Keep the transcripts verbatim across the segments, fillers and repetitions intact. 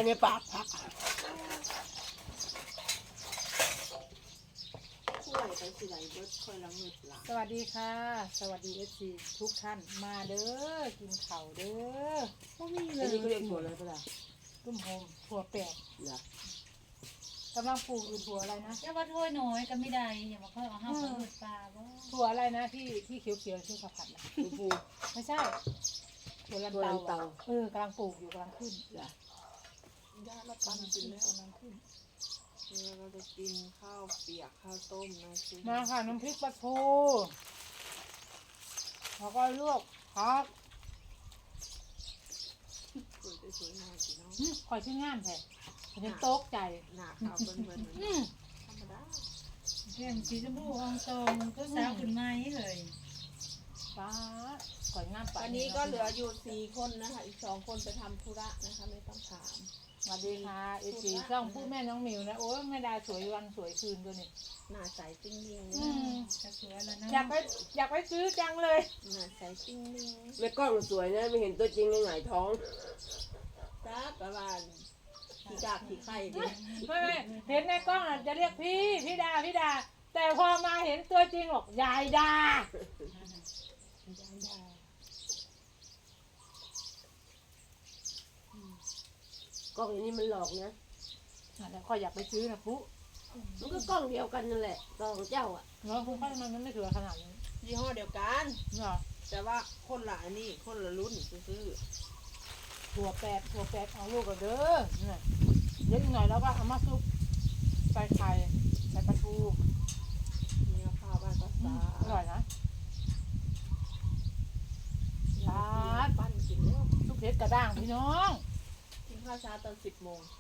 ในปากผักช่วยไปสิไหลเบิดค่อยละเงิดหลังสวัสดีค่ะสวัสดีเอฟซีทุกท่านมาเด้อกินข้าวเด้อพวกนี้เลอันยนี้ก็เรียกถั่วอะไรก็ได้ตุ้มโฮมถั่วแปดนะกำลังปลูกอยู่ถั่วอะไรนะอย่าว่าถ้วยน้อยก็ไม่ได้อย่ามาค่อยเอาห้าวกับมืดปลาบ่ถั่วอะไรนะที่ที่เขียวๆที่เขาผัดนะฟูฟูไม่ใช่ถั่วลันถั่วลันเตาเตาอะเออกำลังปลูกอยู่กำลังขึ้นจ้ะย่าเราปั้นกำลังกิขึ้นนแล้วกำลังขึ้นแล้วเราจะกินข้าวเปียกข้าวต้มนะซิมาค่ะน้ำพริกปลาทูแล้วก็ลวกผักสวยได้สวยงามสิเนาะอืมคอยชื่องามแท้ฉันโต๊กใจหน้าขาวเบิ่นเบิ่นเหมือนอืมธรรมดาเรื่องสีชมพูอองตรงก็สาวขึ้นไม้เลยป้าก่อยงามไปวันนี้ก็เหลืออยู่สี่คนนะคะ อีกสองคนไปทำธุระนะคะ ไม่ต้องถามสวัสดีค่ะเอซีช่องผู้แม่น้องหมิวนะโอ้ยแม่ดาสวยวันสวยคืนตัวนี้หน้าใสติ้งนิ่งอืมจะสวยแล้วนะอยากไปอยากไปซื้อจังเลยหน้าใสติ้งนิ่งในกล้องสวยนะไม่เห็นตัวจริงยังไงท้องจ้าประมาณขี้กากขี้ไข่ดิไม่ไม่เห็นในกล้องอ่ะจะเรียกพี่พี่ดาพี่ดา แต่พอมาเห็นตัวจริงบอกยายดายายดากล้องอย่างนี้มันหลอกนะอ่ะแล้วคอยอยากไปซื้อนะปุ๊มันก็กล้องเดียวกันนั่นแหละกล้องเจ้าอ่ะเนาะปุ๊ทำไมมันไม่สวยขนาดนี้ยี่ห้อเดียวกันเนาะแต่ว่าคนละอันนี้คนละรุ่นซื้อถั่วแปดถั่วแปดเอาลูกกันเด้อเนี่ยเดี๋ยวอีกหน่อยแล้วก็เอามาซุปใส่ไข่ใส่ปลาทูๆเนื้อข้าวบ้านภาอืษามอร่อยนะร้านปั้นกินแล้วซุปเผ็ดกระด้างพี่น้องกินข้าวเช้าตอนสิบโมง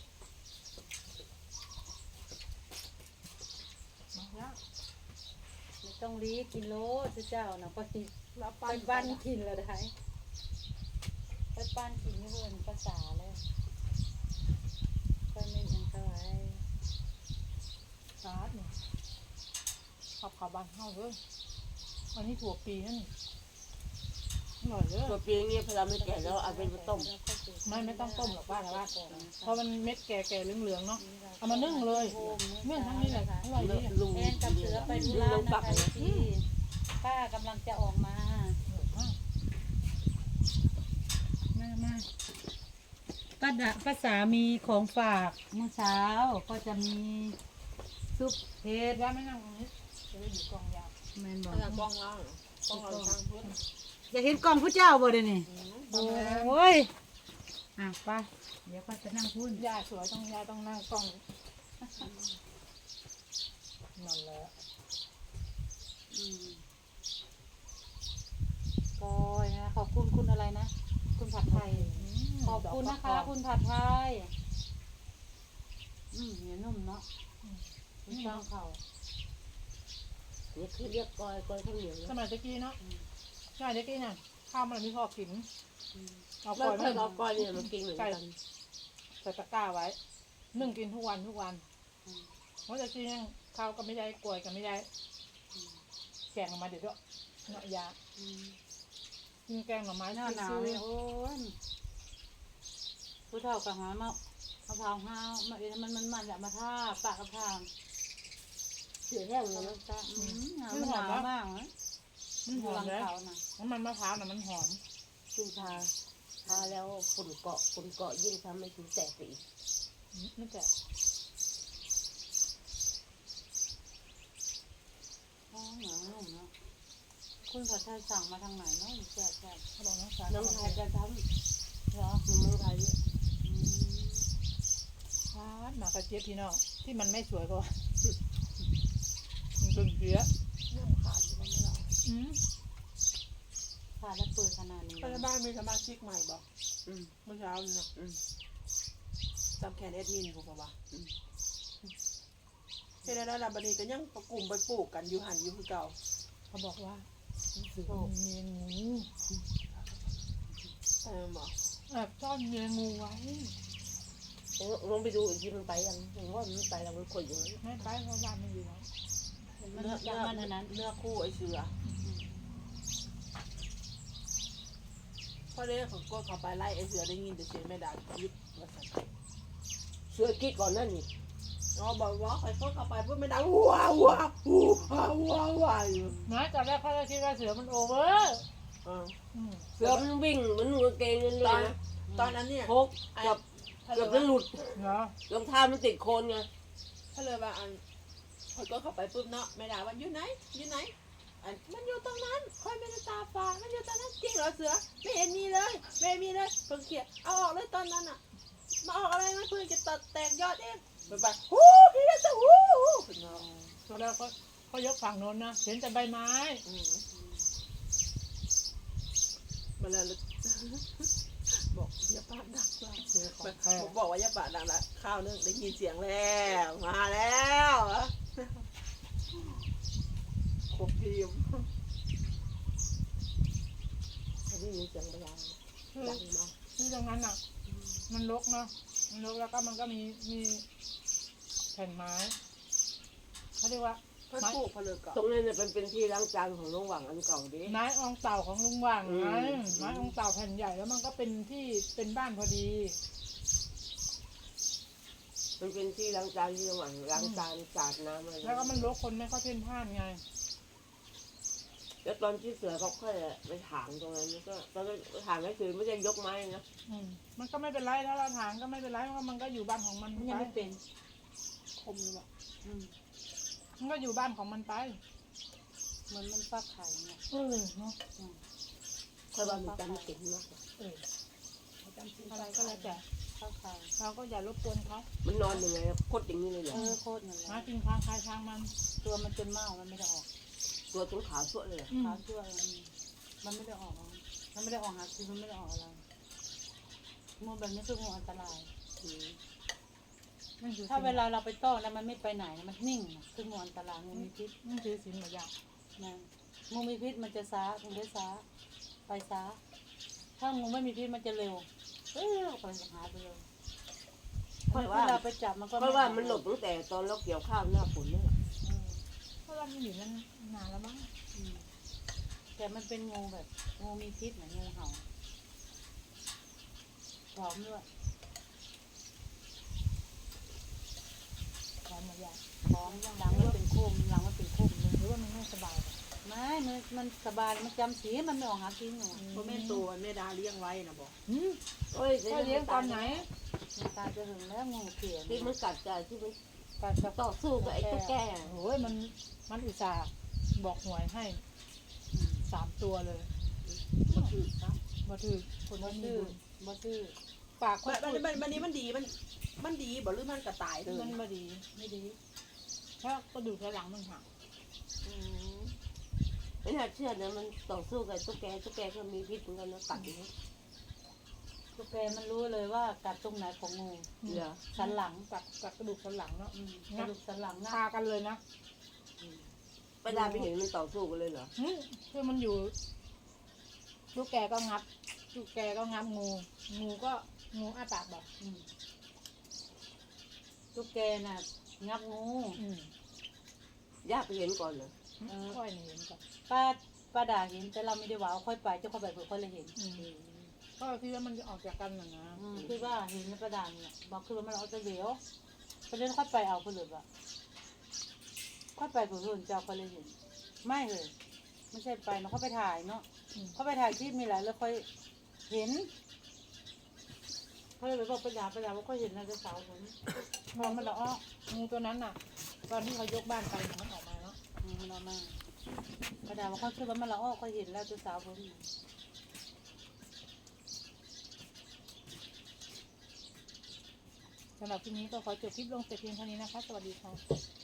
มาแล้วไม่ต้องรีบกินโลสิเจ้านะก็สิแล้วไปปั้นบ้านกินแล้วได้ไปบ้านกินนี่เพิ่นภาษาเลยไปไม่ยังเท่าไหร่ซาดเนี่ยขับขาบานเข้าเลยอันนี้ถั่วปีนั่นนี่อร่อยเลยตัวเปียงนี้พอเราไม่แก่แล้วเอาไปต้มไม่ไม่ต้องต้มหรอกบ้านละบ้านเพราะมันเม็ดแก่ๆเหลืองๆเนาะเอามานึ่งเลยนึ่งทั้งนี้แหละอร่อยดีอะลุงแอนกับเสือไปธุระนะคะที่ป้ากำลังจะออกมาอร่อยมากมามาป้าดะป้าสามีของฝากเมื่อเช้าก็จะมีซุปเห็ดย่าไม่นั่งตรงนี้จะได้อยู่กองยาวแมนบอกเอาจากกล้องล่างกล้องเราทางพื้นอยากเห็นกล่องผู้เจ้าบ่เดี๋ยวนี้โอ้โอ้ยอ่ะไป้าเดี๋ยวป้าจะนั่งพูดย่าสวยต้องย่าต้องนั่งกล้องนั่นแหละกอยนะขอบคุณคุณอะไรนะ คุณผัดไทย ขอบคุณนะคะ คุณผัดไทย อืมเหนียวนุ่มเนาะคุณช่างเขานี่คือเรียกกอยกอยข้าวเหนียวสนะมัยตะกี้เนาะสมัยตะกี้น่ะข้าวมันไม่พอกินเอาแล้ก่วอยเธมาอเอากอยเนี่ยมากินเหมือนกันใส่ตะกร้าไว้นึ่งกินทุกวันทุกวันเพราะตะกี้ยังข้าวก็ไม่ได้กล้วยก็ไม่ได้แกงออกมาเดี๋ยวด้วยเนาะยากินแกงหน่อไม้หน้าหนาวซื้อเนี่ยโอ้ยผู้เฒ่ากับหามะมะพร้าวห้าวมาเอ็นมันมันมันอยากมาท่าปากกระพางเสือแห้งเลยเขานะจะอืมหนาวมันหนาวมากนะมันหอยู่อหลัมงเลยเขาน่ะน้ำมันมะพร้าวน่ะมันหอมกินทาทาแล้วฝุ่นเกาะฝุ่นเกาะยิ่งทำให้ถึงแตกไปอีกนี่แต่อ๋อหนาวนุ่มเนาะคุณผัดไทยสั่งมาทางไหนเนาะแซ่บแซ่บเขาบอกน้องสาวน้องชายจะทเหรอำอยู่เมืองไทยเนี่ยอืมพาดหมากระเจี๊ยบพี่น้องที่มันไม่สวยก็ว่ามันเป็นเพี้ยเรื่องขาดอยู่บ้างไหมเราอืมผ่าแล้วเปิดขนาดนี้ไปในบ้านมีสมาชิกใหม่บอกอืมเมื่อเช้านี่นะอืมจำแคนแอดมินผมบอกว่าเฮ็ดได้แล้วบัดนี้ก็ยังประกลุ่มไปปลูกกันอยู่หันอยู่คือเก่าเขาบอกว่าเสือมีเมียงูเออบอกแอบซ่อนเมียงูไว้ลองไปดูอีกทีมันไปยังผมว่ามันไปแล้วมันขดอยู่นั้นไม่ไปเพราะบ้านมันอยู่แล้วมันเนื้อจะเนื้อมันอันนั้นเนื้อคู่ไอ้เสือพอเด้เขาก็เขาไปไล่ไอ้เสือได้ยินแต่เสียงแม่ดายึดว่าสันสือกิ๊กก่อนนั่นนี่อ๋อบอกว่าใครเขาเข้าไปปุ๊บไม่ดังว้าวว้าวว้าวว้าวว้าวอยู่นะตอนแรกเขาจะคิดว่าเสือมันโอเวอร์อ่าอืมเสือมันวิ่งเหมือนหนูกางเกงนั่นเลตอย นนะตอนนั้นเนี่ยพกเกับถ้าเกืเลอย บว่าจะหลุดเหรอรองเท้ามันติดโคนไงถ้าเลยว่าอันคนก็เข้าไปปุ๊บเนาะไม่ด่าว่าอยู่ไหนอยู่ไหนอันมันอยู่ตรงนั้นคอยไม่ได้ตาฝาดมันอยู่ตรงนั้นจริงเหรอเสือไม่เห็นมีเลยไม่เห็นมีเลยเพิ่งเขียนเอาออกเลยตอนนั้นอ่ะมาออกอะไรมันเพิ่งจะตัดแตกยอดเองไปไปฮู้พี่ละจะฮู้ฮู้ขึ้นมาตอนแรกเขาเขายกฝั่งโน้นนะเห็นแต่ใบไม้อืมมาแล้ว บอกอย่าปากดังละเสือของแท้ผมบอกว่าอย่าปากดังละข้าวนึงได้ยินเสียงแล้วมาแล้วครบทีมเขาได้ยินเสียงเวลาคือดังมากคือตรงนั้นอ่ะ มันรกเนาะมันรกแล้วก็มันก็มีมีแผ่นไม้เขาเรียกว่าเพื่อนปลูกเพนเลิกก่อนตรงนี้เนี่ยเป็นเป็นที่ล้างจานของลุงหวังอันเก่าดิไม้อองเต่าของลุงหว่างไงอืมไม้อองเต่าแผ่นใหญ่แล้วมันก็เป็นที่เป็นบ้านพอดีมันเป็นที่ล้างจานที่ลุงหวังล้างจานสาดน้ำอะไรแล้วก็มันรกคนไม่ค่อยเพ่นพ่านไงแล้วตอนที่เสือเขาค่อยไปถางตรงนั้นก็ตอนไปถางก็คือไม่ได้ยกไม้นะอืมมันก็ไม่เป็นไรถ้าเราถางก็ไม่เป็นไรเพราะมันก็อยู่บ้านของมันมันไปยังไม่เป็นคมเลยบอกอืมมันก็อยู่บ้านของมันไปเหมือนมันฟักไข่เนี่ยเออเนาะอืมค่อยว่ามันจำเก่งมากกว่าเอออะไรก็แล้วแต่ฟักไข่เราก็อย่ารบกวนเขามันนอนยังไงโคตรอย่างนี้เลยเหรอเออโคตรนั่นแหหาละกินทางใครทางมันตัวมันจนเมามันไม่ได้ออกตัวตรงขาสวดเลยเหรออืมขาชั่วมันมันไม่ได้ออกมันไม่ได้ออกหาคือมันไม่ได้ออกอะไรงูแบบนี้คืองูอันตรายอืมมันถือถ้าเวลาเราไปต้อนแล้วมันไม่ไปไหนนะมันนิ่งนะคืองูอันตรายงูมีพิษมันถือศีลหมดอย่างนะงูมีพิษมันจะช้ามันได้ช้าไปช้า ถ้างูไม่มีพิษมันจะเร็วเออไปหาไปเลยค่อยเวว่าลาไปจับมันก็ค่อยว่ามันหลบตั้งแต่ตอนเราเกี่ยวข้าวหน้าฝนเนี่ยอืมเพราะเรามันอยู่นั่นนานแล้วมั้งอืมแต่มันเป็นงูแบบงูมีพิษเหมือนงูเห่าพร้อมด้วยร้อนหมดอย่างพร้อมหลังมันเป็นโคมหลังมันเป็นโคมเลยหรือว่ามันไม่สบายป่ะไม่มันมันสบายมันจำสีมันไม่ออกหากินหนูเพราะแม่ตัวแม่ดาเลี้ยงไว้นะบอกอืมโอ้ยก็เลี้ยงตอนไหนมันตายจะหึงแล้วงูเขียนที่มันกัดใจที่มันกัดกับต่อสู้กับไอ้ตุ๊กแกโอ้ยมันมันอุตส่าห์บอกหวยให้สามตัวเลยมันคือครับมาถือคนบ่ว่ามีซื้อบุญบ่ซื้อปากคมันนมันมันมันนี้มันดีมันมันดีบอกหรือมันกระต่ายเลยมันไม่ดีไม่ดีเพราะกระดูกสันหลังมันหักอืมไม่น่าเชื่อนะมันต่อสู้กับไอ้ตุ๊กแกตุ๊กแกก็มีพิษเหมือนกันนะกัดอย่างนี้ตุ๊กแกมันรู้เลยว่ากัดตรงไหนของงูเหรอสันหลังกับกับกระดูกสันหลังเนาะอืมกระดูกสันหลังนะคากันเลยนะไปดาไปเห็นมันต่อสู้กันเลยเหรออืมคือมันอยู่ลูกแกก็งับลูกแกก็งับงู งูก็งูอ้าปากแบบอืมตุ๊กแกน่ะงับงูอืมย่าไปเห็นก่อนเหรอเออค่อยเห็นก่อนป้าป้าด่าเห็นแต่เราไม่ได้ว่าเอาค่อยไปเจ้าค่อยไปเผื่อค่อยเลยเห็นอืมก็ที่ว่ามันจะออกจากกันน่ะนะอืมคือว่าเห็นในประดานเนี่ยบอกคือว่ามันเอาจะเหลวประเด็นค่อยไปเอาคนอื่นว่ะค่อยไปเผื่อคนเจ้าค่อยเลยเห็น ไม่เลยไม่ใช่ไปเนาะเขาไปถ่ายเนาะอืมเขาไปถ่ายคลิปมีหลายแล้วค่อยเห็นเขาเลยไปบอกประดาประดาว่าค่อยเห็นนะเจ้าสาวผมมองมันละอ้องูตัวนั้นน่ะ ตอนที่เขายกบ้านไปมันออกมาเนาะอืมมันเอามาประดาว่าเขาคิดว่ามันละอ้อค่อยเห็นแล้วเจ้าสาวผมสำหรับที่นี้ก็ขอจบคลิปลงแต่เพียงเท่านี้นะคะ สวัสดีค่ะ